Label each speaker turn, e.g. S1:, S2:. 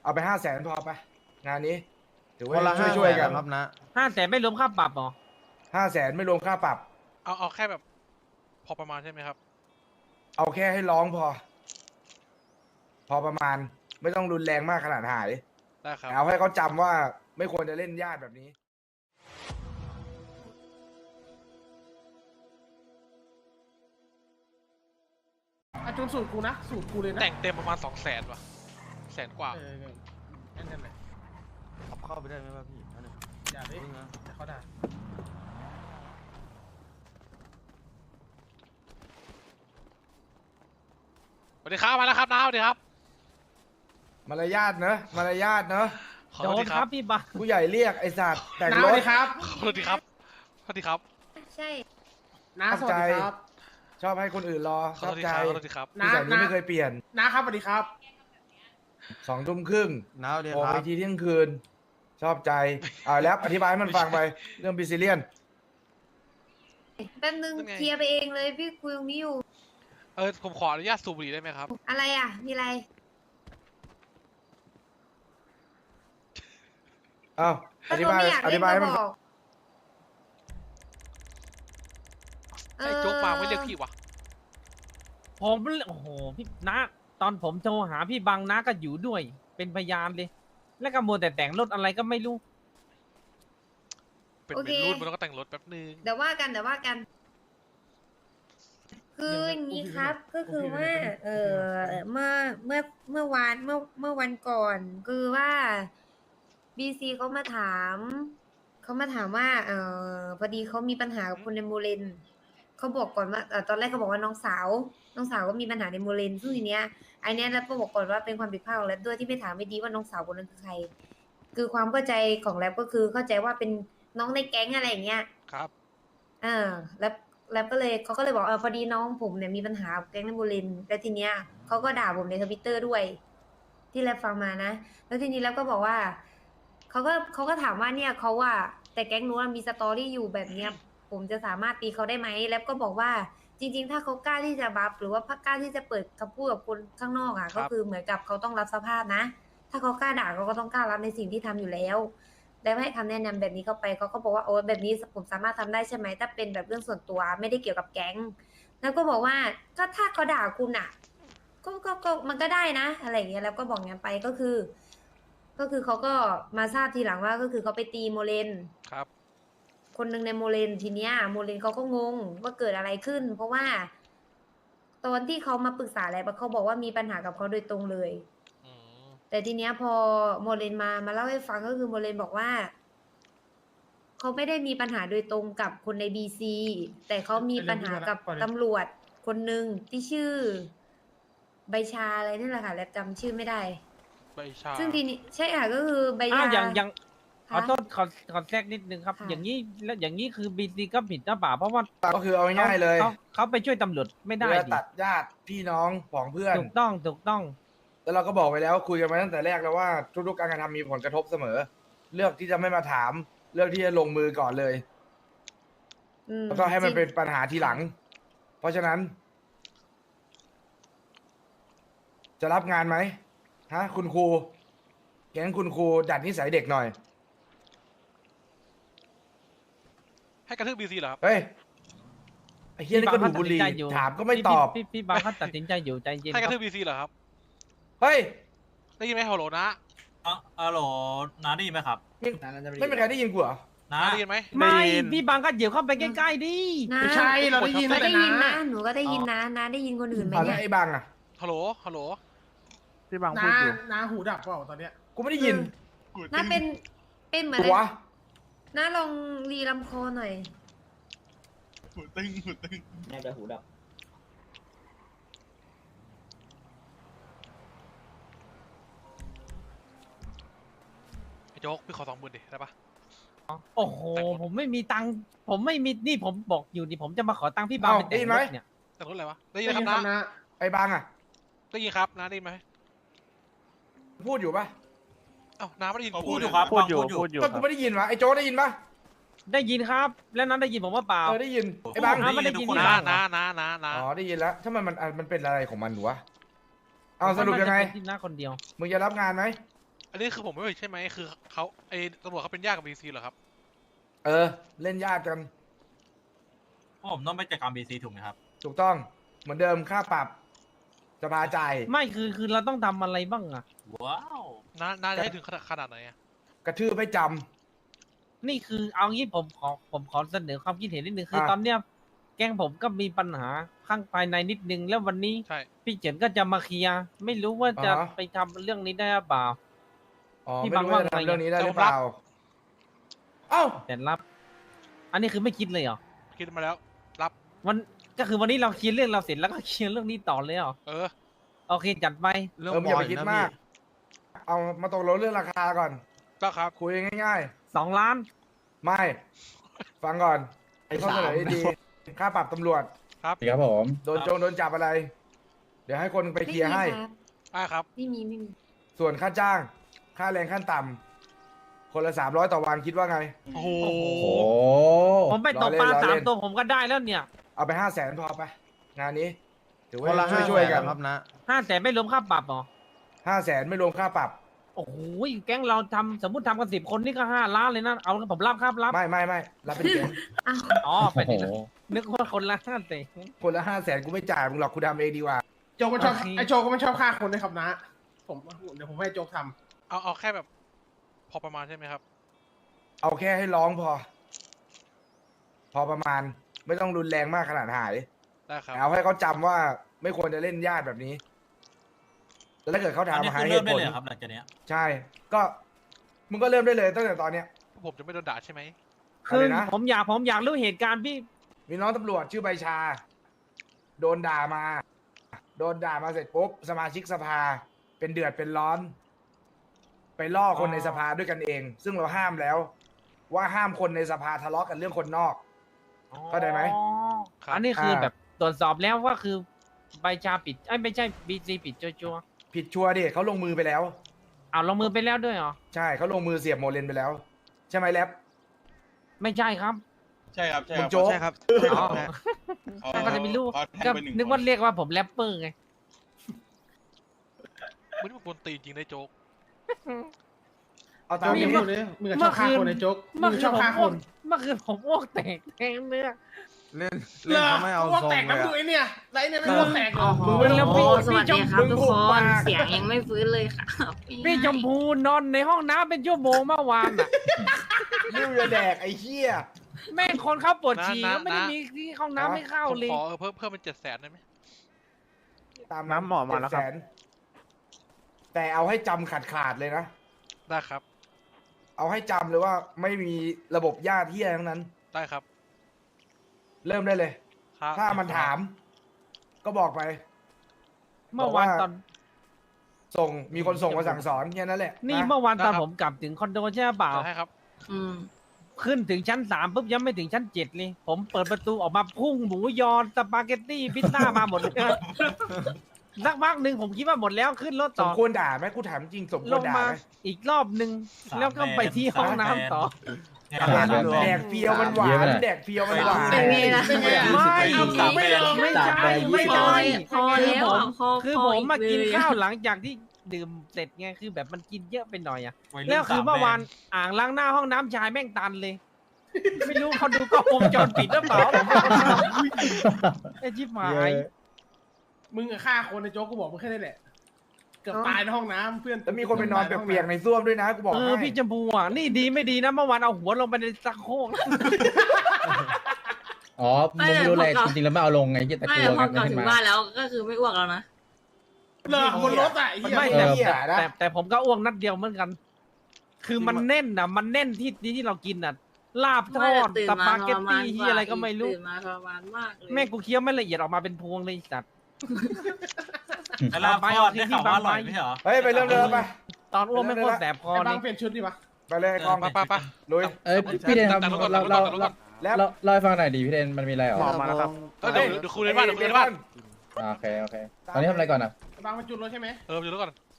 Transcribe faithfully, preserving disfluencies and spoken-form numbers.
S1: เอาไปห้าแสนพอไปงานนี้ถือ
S2: คนละ
S1: ว่าช่วย
S2: ห้า
S1: ช่วยๆ
S2: แส
S1: กัน
S2: ครับนะ
S3: ห้าแสนไม่รวมค่าปรับหรอ
S1: ห้าแสนไม่รวมค่าปรับ
S4: เอาเอาแค่แบบ พอประมาณใช่ไหมครับ
S1: เอาแค่ให้ร้องพอ พอประมาณไม่ต้องรุนแรงมากขนาดหาย
S4: ได้ครับ
S1: เอาให้เขาจำว่าไม่ควรจะเล่นญาติแบบนี้
S5: อาจุนสูตรกูนะสูตรกูเลยนะ
S4: แต่งเต็มประมาณสองแสนว่ะแสนกว่า
S5: เออเออนั่นแหละ
S2: ขับเข้าไปได้ไหมวะพี่อันนี้
S5: อย่าดิ
S2: พึ่งนะ
S5: แต่เขาด่า
S4: สวัสดีครับมาแล้วครับน้าสวัสดีครับ
S1: มารยาทเนอะมารยาทเนอะ
S4: ขอ
S3: โด
S4: โทษ
S3: น
S4: ที
S3: ค
S4: ค
S3: รั
S4: รั
S3: บบ พี่บัง
S1: ผู้ใหญ่เรียกไอ้สัตว์แต่ง
S5: น้าร สวั
S1: ถ
S5: สดีครับ
S4: ขอโทษทีครับสวัสดีครับ
S6: ใช่
S5: น้าสวัสดีครับ
S1: ชอบให้คนอื่นรอ
S4: ข
S1: ช
S4: อ
S1: อ
S4: โท
S1: บ
S4: ษที
S1: ใจ
S4: ครับขอโทษทีครับ
S1: นิสัยนี้ไม่เคยเปลี่ยน
S5: น้าครับสวัสดีครับ
S1: สองทุ่มครึ่ง
S2: น้าเดียว
S1: โอ
S2: ค
S1: ไป
S2: รับ
S1: ทีเที่ยงคืน ชอบใจอ่าแล้วอธิบายให้มันฟังไปเรื่องบิซิเลียน
S6: แป๊บนึง
S4: เป็นไง
S6: เคลียร์ไปเองเลยพี่คุยตรงนี้อยู่
S4: เออผมขออนุญาตสูบบุหรี่ได้ไหมครับ
S6: อะไรอ่ะ มีอะไร
S1: อ้าวอธิบาย
S6: ก็เขไม่อยาก
S1: อ
S6: เล่
S1: ธิ
S6: น
S1: บาย
S6: ก็
S1: ให้มัน
S6: บ
S1: ฟัง
S6: อก
S4: ไอ้โจ๊กมาไม่เรียกพี่วะ
S3: ผมโอ้โหพี่นะตอนผมโทรหาพี่บังนะก็อยู่ด้วย เป็นพยานเลย แล้วก็มัวแต่แต่งรถอะไรก็ไม่รู้
S4: เป็น
S6: โอ
S4: เป็
S6: เค
S4: นรุ่นมันก็แต่งรถแป๊บนึง
S6: เดี๋ยวว่ากันเดี๋ยวว่ากัน คืออย่างนี้ครับ ก็คือว่า เออเมื่อเมื่อเมื่อวานเมื่อเมื่อวันก่อน คือว่าบีซีเขามาถามเขามาถามว่า เออพอดีเขามีปัญหากับคนในโมเลนเขาบอกก่อนว่าเอ่อตอนแรกเขาบอกว่าน้องสาว น้องสาวก็มีปัญหาในโมเลนซึ่งทีเนี้ยไอเนี้ยแล้วก็บอกก่อนว่าเป็นความผิดพลาดของแรปด้วยที่ไม่ถามไม่ดีว่าน้องสาวคนนั้นคือใคร คือความเข้าใจของแรปก็คือเข้าใจว่าเป็นน้องในแก๊งอะไรอย่างเงี้ย
S4: ครับ
S6: อ่าแล้วแล้วก็เลยเขาก็เลยบอกเออพอดีน้องผมเนี่ยมีปัญหากับแก๊งนบุรินทร์แล้วทีเนี้ยเขาก็ด่าผมในทวิตเตอร์ด้วย ที่แรปฟังมานะ แล้วทีนี้แล้วก็บอกว่าเขาก็เขาก็ถามว่าเนี่ยเขาว่าแต่แก๊งนู้นมีสตอรี่อยู่แบบเนี้ย ผมจะสามารถตีเขาได้ไหมแล้วก็บอกว่าจริง ๆ ถ้าเขากล้าที่จะบัฟหรือว่ากล้าที่จะเปิดคำพูดกับคนข้างนอกอ่ะ
S4: ครับ
S6: ก็คือเหมือนกับเขาต้องรับสภาพนะ ถ้าเขากล้าด่าเขาก็ต้องกล้ารับในสิ่งที่ทำอยู่แล้ว แล้วให้คำแนะนำแบบนี้เข้าไปเขาก็บอกว่าโอ้แบบนี้ผมสามารถทำได้ใช่ไหมถ้าเป็นแบบเรื่องส่วนตัวไม่ได้เกี่ยวกับแก๊ง แล้วก็บอกว่าก็ถ้าเขาด่าคุณอ่ะ ก็ก็ก็มันก็ได้นะ อะไรอย่างเงี้ยแล้วก็บอกงั้นไปก็คือ ก็คือเขาก็มาทราบทีหลังว่าก็คือเขาไปตีโมเลน
S4: ครับ
S6: คนหนึ่งในโมเลนทีเนี้ยโมเลนเขาก็งงว่าเกิดอะไรขึ้น เพราะว่าตอนที่เขามาปรึกษาอะไรเขาบอกว่ามีปัญหากับเขาโดยตรงเลย
S4: อืม
S6: แต่ทีเนี้ยพอโมเลนมามาเล่าให้ฟังก็คือโมเลนบอกว่าเขาไม่ได้มีปัญหาโดยตรงกับคนในบีซีแต่เขามีปัญหากับตำรวจคนหนึ่งที่ชื่อ ใบชาอะไรนี่แหละค่ะแล้วจำชื่อไม่ได้
S4: ใบชา
S6: ซึ่งทีนี้ใช่ค่ะก็คือใบ
S3: อ้า
S6: ชาว
S3: อย่างอย่างขอ
S6: ค่ะ
S3: โทษขอขอแทรกนิดนึงครับ
S6: ค่ะ
S3: อย่างนี้แล้วอย่างนี้คือบีซีก็ผิดหรือเปล่าเพราะว่า
S1: ก็คือเอาง่ายๆเลย
S3: เขาเขาไปช่วยตำรวจไม่ได้
S1: เพื่อ
S3: ดิ
S1: ตัดญาติพี่น้องของเพื่อน
S3: ถูกต้องถูกต้อง
S1: แล้วเราก็บอกไปแล้วคุยกันมาตั้งแต่แรกแล้วว่าทุกๆการกระทำมีผลกระทบเสมอ เลือกที่จะไม่มาถาม เลือกที่จะลงมือก่อนเลย
S6: อืม
S1: แล้วก็ให้มัน
S6: จริง
S1: เป็นปัญหาทีหลัง เพราะฉะนั้น จะรับงานไหมฮะ คุณครูแก๊งคุณครูดัดนิสัยเด็กหน่อย
S4: ให้กระทืบบีซีเหรอครับ
S1: เฮ้ยไอ้เฮียนี่ก็ดูดบุหรี่
S3: พี่บังเขาตัดสินใจอยู่
S1: ถามก็ไม่
S3: พี่
S1: ตอบ
S3: พี่พี่พี่บังเขาตัดสินใจอยู่ใจเย็น
S4: ให้กระ
S3: ค
S4: ทื
S3: รั
S4: บบ บีซีเหรอครับ
S1: เฮ้ย
S4: ได้ยินไหมฮัลโหลนะ
S7: อ๋อฮัลโหลน้าได้ยินไหมครับ
S1: ไม่เป็นใครได้ยินกูเหรอ
S7: น้า
S4: ได้ยินไหม
S3: ไม่พี่บังก็เดี๋ยวเข้าไปใกล้ๆดิ
S6: นะ
S5: ไม่ใช่เราได้ยิน
S6: ก็
S5: แต่
S6: ได้ยิน
S5: นะ
S6: นะหนูก็ได้ยินนะนะได้ยินคนอื่นไหม
S1: เอาแล้
S6: เนี่
S1: วย ไอ้บังอ่ะ
S4: ฮัลโหลฮัลโหล
S2: พี่บังพู
S5: น้า
S2: ดอยู่
S5: น้าหูดับเปล่าตอนเนี้ย
S1: กูไม่ได้ยิน
S6: น้าเป็นเป็นเหมือน
S1: ตัว
S6: น้าลองรีลำคอหน่อย
S8: น่าจะหูดับ
S4: ไอ้โจ๊กพี่ขอสองหมื่นดิได้ปะ
S3: โอ้โหผมไม่มีตังค์ผมไม่มีนี่ผมบอกอยู่นี่ผมจะมาขอตังค์พี่บัง
S1: เอ้า
S3: ไปแต่ง
S1: ได้ยินไห
S3: ร
S1: ม
S3: ถเนี่ย
S4: แต่รถอะไรวะ ได้ยิน
S5: ได้
S4: ไหม
S5: ยิน
S4: ค
S5: ค
S4: รั
S5: รั
S4: บบ นะ
S5: นะ
S1: ไอ้บังอ่ะ
S4: ได้ยินครับนะได้ยินไหม
S1: พูดอยู่ปะ
S4: เอ้าน้าไม่ได้ยิน
S7: พูดอยู่ครับ
S2: พูดอยู่
S7: ฟัง
S2: พูดอยู่
S1: ก็
S2: ค
S1: กู
S2: รับ
S1: ไม่ได้ยินวะไอ้โจ้ได้ยินปะ
S3: ได้ยินครับ แล้วนั้นได้ยินผมว่าเปล่า
S1: เออได้ยินไอ้บัง
S3: อ้าวไม่ได้ยิน
S4: น้าน้าน้าน้าน้า
S1: อ๋อได้ยินแล้วถ้ามันมันอ่ะมันเป็นอะไรของมันหนูวะเอาสรุปยังไง
S3: น่าจะเป็นที่หน้าคนเดียว
S1: มึงจะรับงานไหม
S4: อันนี้คือผมไม่รู้ใช่ไหมคือเขาไอ้ตำรวจเขาเป็นญาติกับบีซีเหรอครับ
S1: เออ เล่นญาติกัน
S7: ผมต้องไปจัดการบีซีถูกไหมครับ
S1: ถูกต้องเหมือนเดิมค่าปรับสภาจ่าย
S3: ไม่คือคือเราต้องทำอะไรบ้างอะ
S7: ว้าว
S4: น่าน่าจะให้ถึงขนาดขนาดไหนอะ
S1: กระทืบไม่จ
S3: นี่คือเอางี้ผมขอผมขอเสนอความคิดเห็นนิดนึงคือ
S1: อ่ะ
S3: ตอนเนี้ยแก๊งผมก็มีปัญหาข้างภายในนิดนึงแล้ววันนี้
S4: ใช่
S3: พี่เฉินก็จะมาเคลียร์ไม่รู้ว่าจะ
S1: อ่าฮะ
S3: ไปทำเรื่องนี้ได้หรือเปล่า
S1: ำอ๋อ
S3: พี่
S1: ไม่
S3: บัง
S1: รู้ว่าจะ
S3: ว่าไง
S1: ทำเรื่องนี้ได้หรือ
S4: จะรับ
S1: เปล่าเอ้า
S3: แต่รับ อันนี้คือไม่คิดเลยเหรอ
S4: คิดมาแล้วรับ
S3: วันก็คือวันนี้เราเคลียร์เรื่องเราเสร็จแล้วก็เคลียร์เรื่องนี้ต่อเลยเหรอ
S4: เออ
S3: โอเคจัดไป
S2: เรื่อง
S1: เอออย่าไป
S2: บ
S1: คิด
S2: นะ
S1: มาก
S2: พี่
S1: เอามาตกลงเรื่องราคาก่อน
S4: ก็ครับ
S1: คุยง่าย
S3: สองล้าน
S1: ๆ ไม่ ฟังก่อนไอ้ข้อเสนอดีๆค่าปรับตำรวจ
S4: ครับ
S8: ครับผม
S1: โดนโจงโดนจับอะไร เดี๋ยวให้คนไปเคลียร์ให้
S6: ไม่มีครับ
S4: อ่าครับ
S6: ไม่มีไม่มี
S1: ส่วนค่าจ้าง ค่าแรงขั้นต่ำคนละสามร้อยต่อวันคิดว่าไง
S4: โอ้โห
S3: โอ้โห
S8: โอ้
S3: ผมไปตกปลา
S1: ล้อเล่นล้อ
S3: สาม
S1: เล่น
S3: ตัวผมก็ได้แล้วเนี่ย
S1: เอาไปห้าแสนพอไป งานนี้ ถือ
S2: ค
S1: ว่าน
S2: ละ
S1: ช่
S2: ห้า
S1: วยช่วยๆกัน
S2: ครับนะ
S3: ห้าแสนไม่รวมค่าปรับเหรอ
S1: ห้าแสนไม่รวมค่าปรับ
S3: โอ้โหแก๊งเราทำสมมติทำกันสิบคนนี่ก็ห้าล้านเลยนะเอาผมรับครับรับ
S1: ไม่ไม่ไม่รับเป็นแสน
S6: อ้าว
S3: อ๋อไป
S8: โห
S3: ดินึกว่าคนละห้าแสน
S1: คนละห้าแสนกูไม่จ่ายมึงหรอกกูทำเองดีกว่า
S5: โจกมันชอบ
S3: โอเค
S5: ไอโจกก็มันชอบฆ่าคนด้วยครับนะ ผมเดี๋ยวผมให้โจกท
S4: เอาเอาแค่แบบ พอประมาณใช่ไหมครับ
S1: เอาแค่ให้ร้องพอ พอประมาณ ไม่ต้องรุนแรงมากขนาดหาย
S4: ได้ครับ
S1: เอาให้เขาจำว่าไม่ควรจะเล่นญาติแบบนี้ แล้วถ้าเกิดเขา
S7: อันนี้
S1: ถามหา
S7: คือ
S1: เห
S7: เริ่ม
S1: ตุ
S7: ได้
S1: ผล
S7: เลยเหรอครับหลังจากเนี้ย
S1: ใช่ ก็มึงก็เริ่มได้เลยตั้งแต่ตอนเนี้ย
S4: ผมจะไม่โดนด่าใช่ไหม
S3: คือ
S1: อะไรนะ
S3: ผมอยากผมอยากรู้เหตุการณ์พี่
S1: มีน้องตำรวจชื่อใบชา โดนด่ามา โดนด่ามาเสร็จปุ๊บสมาชิกสภา เป็นเดือดเป็นร้อน ไปล่อคนในสภาด้วยกันเอง ซึ่งเราห้ามแล้ว ว่าห้ามคนในสภาทะเลาะกันเรื่องคนนอก เข้าใจไหม
S3: อ๋อ
S4: ครับ
S3: อันนี้คือ
S1: อ่า
S3: แบบตรวจสอบแล้วว่าคือใบชาปิดไอ้ยไม่ใช่บีซีปิดจัว
S1: ผิดชัวร์ดิเขาลงมือไปแล้ว
S3: ๆเอาลงมือไปแล้วด้วยเหรอ
S1: ใช่เขาลงมือเสียบโมเลนไปแล้ว ใช่ไหมแล็บ
S3: ไม่ใช่ครับ
S9: ใช่ครับใช่
S1: มึ
S9: ค
S1: ง
S9: รับ
S1: โจ๊ก
S4: ใช่ครับ
S3: อ๋อ
S9: เขา
S3: ก็จะไม่รู้
S9: เขาแทง
S3: ก็
S9: ไปหง
S3: นึกว่า
S9: ค
S3: เรียกว่าผมแรปเปอร์ไง
S4: มึงนี่มันกวนตีนจริงนะโจ๊ก
S1: เอา
S5: ำ
S1: ตาม
S5: มึ
S1: นี้
S5: งพูดเลยมึงอะชอบฆ่าคนไอโจกมึ
S3: เมื่อง คื
S5: ช
S3: น
S5: อบ
S3: ผม
S5: ฆ่าค
S3: อ้วก
S5: น
S3: เมื่อคืนผมอ้วกแตกแทงเนื้อ
S2: เล่นเล่นเขาไม่เอา
S5: พวก
S2: ทรง
S5: แตก
S2: เล
S5: น้ำ
S2: ย
S5: ดู
S2: อะ
S5: ไอเนี่ยไรเนี่ยไม่พวกแตกหรอก
S1: มึงไม่ต้อง
S3: โอ้
S1: พูด
S6: สวัสดีครับ
S1: มึง
S6: ทุก
S1: หุ
S6: ค
S1: บ
S6: น
S1: ปาก
S6: เสียงยังไม่ฟื้นเลยค่ะ
S3: พี่ชมพูนอนในห้องน้ำเป็นชั่วโมงเมื่อวานอ่ะ
S1: นิ้วจะแดกไอ้เหี้ย
S3: แม่งคนเข้าปวดฉี่
S4: นะนะ
S3: ก็ไม่ได้
S4: นะ
S3: มีที่ห้องน้ำไม่เข้า
S4: ผม
S3: เลย
S4: ขอเออเพิ่มเพิ่มเป็นเจ็ดแสนได้ไหม
S1: ตาม
S2: น้ำหมอมาแล้วครับ
S1: เจ็ดสนแต่เอาให้จำขาดขาดๆเลยนะ
S4: ได้ครับ
S1: เอาให้จำเลยว่าไม่มีระบบญาติเหี้ยทั้งนั้น
S4: ได้ครับ
S1: เริ่มได้เลย
S4: ครับ
S1: ถ้ามันถาม ก็บอกไป
S3: เมื่อวาน
S1: บอกว่า
S3: ตอน
S1: ส่งมีคนส่งมาสั่งสอนแค่นั้นแหละ
S3: นี่
S1: ะ
S3: เมื่อวานตอนผมกลับถึงคอนโดใช่เปล่า
S4: จะให้ครับ
S6: อืม
S3: ขึ้นถึงชั้นสามปุ๊บยังไม่ถึงชั้นเจ็ดเลย ผมเปิดประตูออกมาพุ่งหมูยอสปาเกตตี้พิซซ่ามาหมดเลยสักพักหนึ่งผมคิดว่าหมดแล้วขึ้นรถ
S1: ส
S3: ต่
S1: ม
S3: อ
S1: ควรด่าไหมกูถามจริงสมค
S3: ล
S1: วรง ด่า
S3: มา
S1: ไหม
S3: อีกรอบหนึ่งแล้วก็ไปที่ห้องน้ำต่อ
S7: เนี่ย
S8: สาม
S7: สาม
S8: แบ
S7: แบ
S1: แด
S7: น
S1: กเฟียวมันหวา
S8: เยอะไป
S1: น
S8: หน่อย
S1: แดกเฟียวมันหวาน
S6: เป็นไงล่ะ
S5: เป็นไงล่ะ
S3: ไม่
S7: เอาสามแบน
S3: ไม่ใช่ไม่
S6: พอ
S3: ใช่
S6: พอแล้วอ่ะพอ
S3: คือ
S6: พ
S3: ผ
S6: อ
S3: มมากิน
S6: เลย
S3: ข้าวหลังจากที่ดื่มเสร็จไงคือแบบมันกินเยอะไปหน่อยอะ
S7: วัยรุ่น
S3: แล้วคือเมื่อวาน
S7: สามแบ
S3: อ่างล้างหน้าห้องน้ำชายแม่งตันเลย ไม่รู้เขาดูกล้องวงจรปิดหรือเปล่าไอ้ชิบหาย
S5: มึงอะฆ่าคนไอโจกกูบอกมึงแค่นี้แหละ เกือบตายในห้องน้ำเพื่อน
S1: แล้วมีคนไปนอนเปียกๆในส้วมด้วยนะกูบอก
S3: เอ
S1: ให้
S3: อพี่จมพูอ่ะนี่ดีไม่ดีนะเมื่อวานเอาหัวลงไปในซักโครก
S8: อ๋อมึงไม่รู้อะไรจริงๆแล้วไม่เอาลงไงที่ตะ
S6: ไม่
S8: กัว
S6: พอ
S8: กัน
S6: กลับ
S8: ให้
S6: ถึง
S8: มา
S6: บ้านแล้วก็คือไม่อ้วกแล้วนะ
S5: เลิกบนรถอะไอ้เหี้ย
S3: ไม่
S1: เอ
S3: แต่
S1: อเหี้ยนะ
S3: แต่แต่ผมก็อ้วกนัดเดียวเหมือนกัน คือมันแน่นอ่ะ มันแน่นที่ที่เรากินอ่ะ ลาบทอด
S6: ตื่น
S3: ส
S6: มา
S3: ปาเกต
S6: ทรมาน
S3: ตี้ที่อะไรก็ไม่รู้
S6: ตื่นมาทรมานมากเลย
S3: แม่กูเคี้ยวไม่ละเอียดออกมาเป็นพวงเลยสัตว์
S7: แล้วลาบทอดได้ข่าวว่าอร่อยไม่ใช่เหรอ
S1: เฮ้ยไปเริ่มเดิมไป
S3: ตอนอ้วกไม่งโคตรแสบคอ
S5: ไอ้
S3: เล
S5: บัง
S3: ย
S5: เปลี่ยนชุดดิวะ
S1: ไปเลยกล้อง
S4: ไปไปไป
S1: ลุย
S8: เอ้ยพี่เดนครับ
S4: ตัดรถก่อน
S8: เรา
S4: ตั
S8: เรา
S4: ดรถก่อน
S1: แล้ว
S8: เราเล่าให้ฟังหน่อยดิพี่เดนมันมีอะไรเหรอ
S2: หมอมาแล้วครับ
S4: เออเดี๋ยวเดี๋ยวคุยในบ้านเดี๋ยวคุยในบ้าน
S8: อ่าโอเคโอเคตอนนี้ทำอะไรก่อนอ่ะ
S5: ไอ้บังมาจุดรถใช่ไหม
S4: เออเดี๋ยวก่อน